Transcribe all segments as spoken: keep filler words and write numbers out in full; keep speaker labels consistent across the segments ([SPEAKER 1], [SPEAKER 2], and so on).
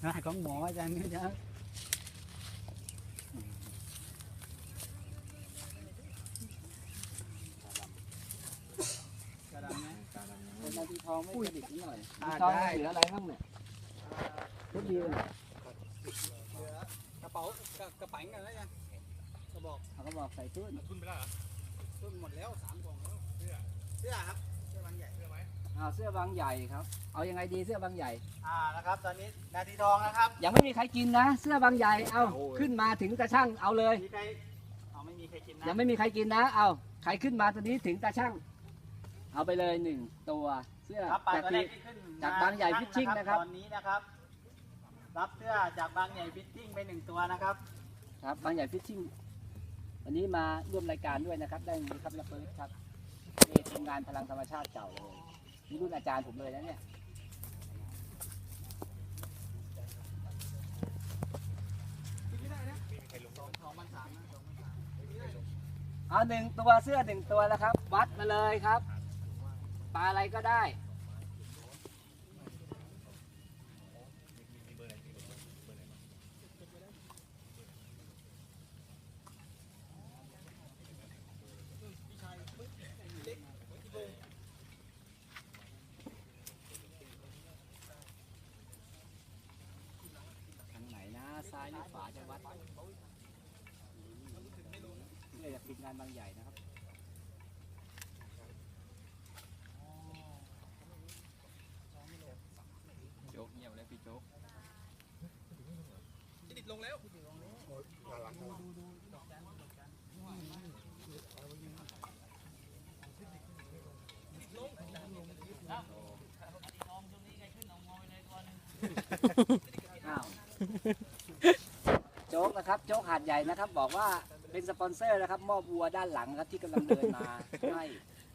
[SPEAKER 1] ของหมออาจารย์นี่นะกระดำนะเป็นนาทีทองไม่กระดิกนิดหน่อยทองเหลืออะไรบ้างเนี่ยทุกเดือนกระเป๋ากระเป๋ากันแล้วยังกระบอกกระบอกใส่ตุ้นตุ้นไปแล้วเหรอตุ้นหมดแล้วสามกล่องแล้วเสื้อเสื้อครับเสื้อบางใหญ่เสื้อไหมอ่าเสื้อบางใหญ่ครับเอายังไงดีเสื้อบางใหญ่อ่านะครับตอนนี้นาทีทองนะครับยังไม่มีใครกินนะเสื้อบางใหญ่เอาขึ้นมาถึงตาช่างเอาเลยมีใครเอาไม่มีใครกินนะยังไม่มีใครกินนะเอาใครขึ้นมาตอนนี้ถึงตาช่างเอาไปเลยหนึ่งตัวเสื้อจากจากบางใหญ่ฟิชชิ่งนะครับตอนนี้นะครับรับเสื้อจากบางใหญ่ฟิชชิ่งไปหนึ่งตัวนะครับครับบางใหญ่ฟิชชิ่งวันนี้มาร่วมรายการด้วยนะครับได้มีครับนักเปิดครับนี่ทีมงานพลังธรรมชาติเก่าเลยนี่รุ่นอาจารย์ผมเลยนะเนี่ยเอาหนึ่งตัวเสื้อหนึ่งตัวแล้วครับวัดมาเลยครับปลาอะไรก็ได้ทางไหนนะซ้ายหรือขวาจะวัดเพื่อจะปิดงานบางใหญ่นะครับโจ๊กเงียบแล้วพี่โจ๊กจะดิดลงแล้วโจ๊กนะครับโจ๊กหาดใหญ่นะครับบอกว่าเป็นสปอนเซอร์นะครับมอบวัวด้านหลังครับที่กำลังเดินมาให้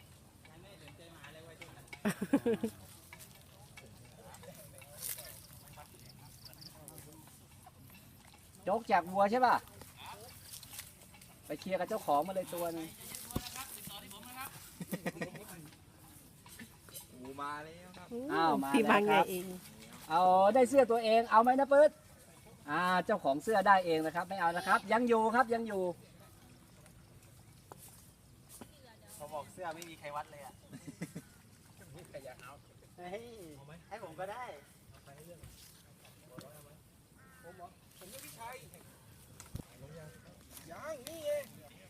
[SPEAKER 1] โจ๊กจากวัวใช่ป่ะไปเคลียร์กับเจ้าของมาเลยตัวนึงมาแล้วครับอ้าวมาแล้วครับเอาได้เสื้อตัวเองเอาไหมนะปื๊ดอ่าเจ้าของเสื้อได้เองนะครับไม่เอานะครับยังอยู่ครับยังอยู่เขาบอกเสื้อไม่มีใครวัดเลยอ่ะใครอยากเอาให้ให้ผมก็ได้ผมเหรอผมไม่พี่ชัยยังนี่เอง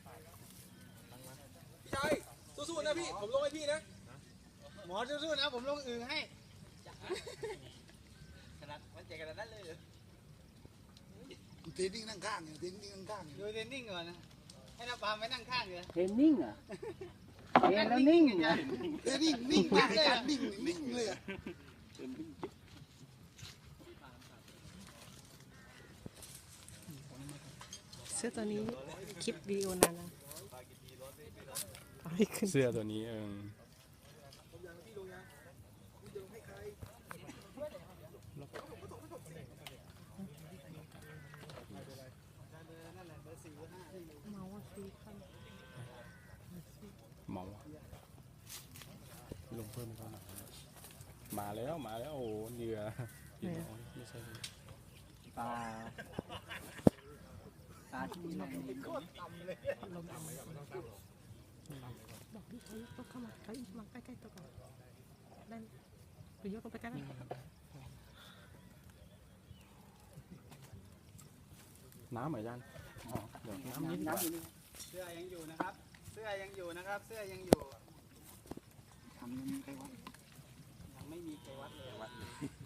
[SPEAKER 1] พี่ชัยสู้ๆนะพี่ผมลงให้พี่นะหมอสู้ๆนะผมลงอื่นให้ขนาดมันใจกันนั้นเลยเหรอ
[SPEAKER 2] เทรนนิ่งนั่งข้างเทรนนิ่งนั่งข้าง
[SPEAKER 1] ดูเทรนนิ่งก่อนนะให้น้าปามไปนั่งข้างเลยเทรนนิ่งอ่ะเทรนแล้วนิ่งอ่ะ
[SPEAKER 2] เทรนนิ่งนิ่งมากเลยนิ่งนิ่งเลย
[SPEAKER 3] เสื้อตัวนี้คลิปวิดีโอนานแล้ว
[SPEAKER 4] เสื้อตัวนี้เออเมาลงเพิ่มเขาหน่อยมาแล้วมาแล้วโอ้เหยื่อไม่ใช่
[SPEAKER 1] ปลาปลาที่ไหนก็ต่ำเลย
[SPEAKER 3] บอกพี่เขายกเข้ามาเขาอีกมาใกล้ๆตัวก่อนนั่นหรือยกลงไปกัน
[SPEAKER 4] น้ำเหมือนกันเดี๋ยวน้ำนิดน้
[SPEAKER 1] ำเสื้อยังอยู่นะครับเสื้อยังอยู่นะครับเสื้อยังอยู่ทำยังมีใครวัดยังไม่มีใครวัดเลย